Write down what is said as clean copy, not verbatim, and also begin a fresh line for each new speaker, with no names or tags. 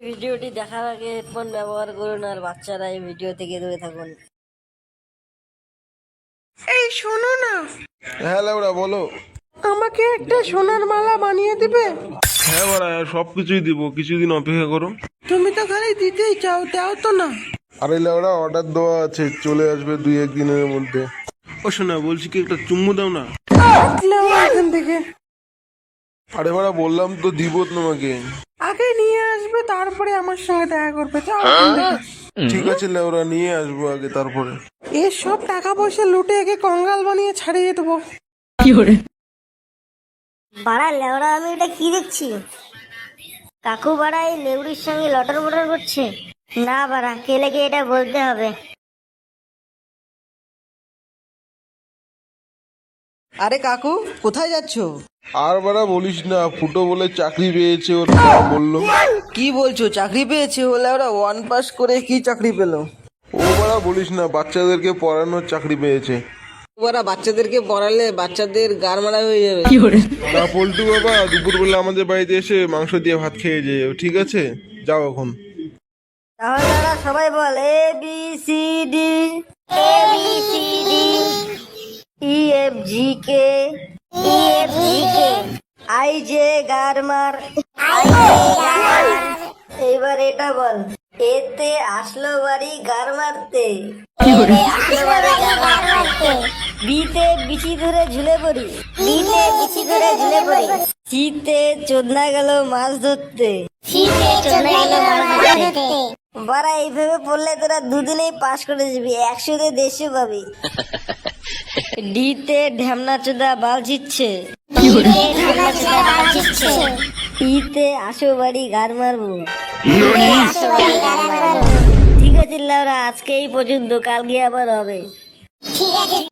ভিডিওটি দেখার আগে হেডফোন ব্যবহার করুন আর বাচ্চারা এই ভিডিও থেকে দূরে থাকুন।
এই শোনো না,
হ্যাঁ লাউড়া বলো।
আমাকে একটা সোনার মালা বানিয়ে দিবে?
হ্যাঁ বাড়া সব কিছুই দিব, কিছুদিন অপেক্ষা করো।
তুমি তো খালি দিতেই চাও, দাও তো না।
আরে লাউড়া অর্ডার দেওয়া আছে, চলে আসবে 2-1 দিনের মধ্যে। ও শোনা বলছি কি একটা চুম্মু দাও না।
আসলাম এখান থেকে।
আরে বাড়া বললাম তো দিব তোমাকে।
আগে নিয়ে আসবে, তারপরে আমার সঙ্গে দেখা করবে। যাও এখান থেকে।
ঠিক আছে লাউড়া নিয়ে আসবো আগে, তারপরে।
এর সব টাকা পয়সা লুটে একে কঙ্গাল বানিয়ে ছাড়িয়ে দেবো।
বাড়া লেওড়া, আমি এটা কি দেখছি? কাকু বাড়া এই লেউড়ির সঙ্গে লটর বটর করছে। না বাড়া, কেলেকে এটা বলতে হবে।
আরে কাকু, কোথায় যাচ্ছ?
আর বাড়া বলিস না, ফুটো বলে চাকরি পেয়েছে, ওর বাবা বললো।
কি বলছো, চাকরি পেয়েছে? হলে ওরা 1 পাস করে কি চাকরি পেলো?
ও বাড়া বলিস না, বাচ্চাদেরকে পড়ানোর চাকরি পেয়েছে।
ওরা বাচ্চাদেরকে পড়ালে বাচ্চাদের গার মারা হয়ে যাবে।
না পল্টু বাবা দুপুরবেলা আমাদের বাড়িতে এসে মাংস দিয়ে ভাত খেয়ে যেও, ঠিক আছে? যাও এখন।
তাহলে ওরা সবাই বল A B C D, A B C D, E F G K, E F G K, I J গারমার, আই জে গারমার। এইবার এটা বল, এতে আসলো বাড়ি গার মারতে, বিতে বিচি ধরে ঝুলে পড়ি, বিতে বিচি ধরে ঝুলে পড়ি, শীতে চোদনা গেল মাছ ধরতে, শীতে চোদনা গেল মাছ ধরতে। বারা এইভাবে পড়লে তোরা দুদিনেই পাস করে যাবি, 100-তে 150 পাবি। ডিতে ঢ্যামনা চোদা বাল ছিচ্ছে, ইতে আসো বাড়ি গার মারবো। ঠিক আছে লাউরা, আজকে এই পর্যন্ত, কাল গিয়ে আবার হবে।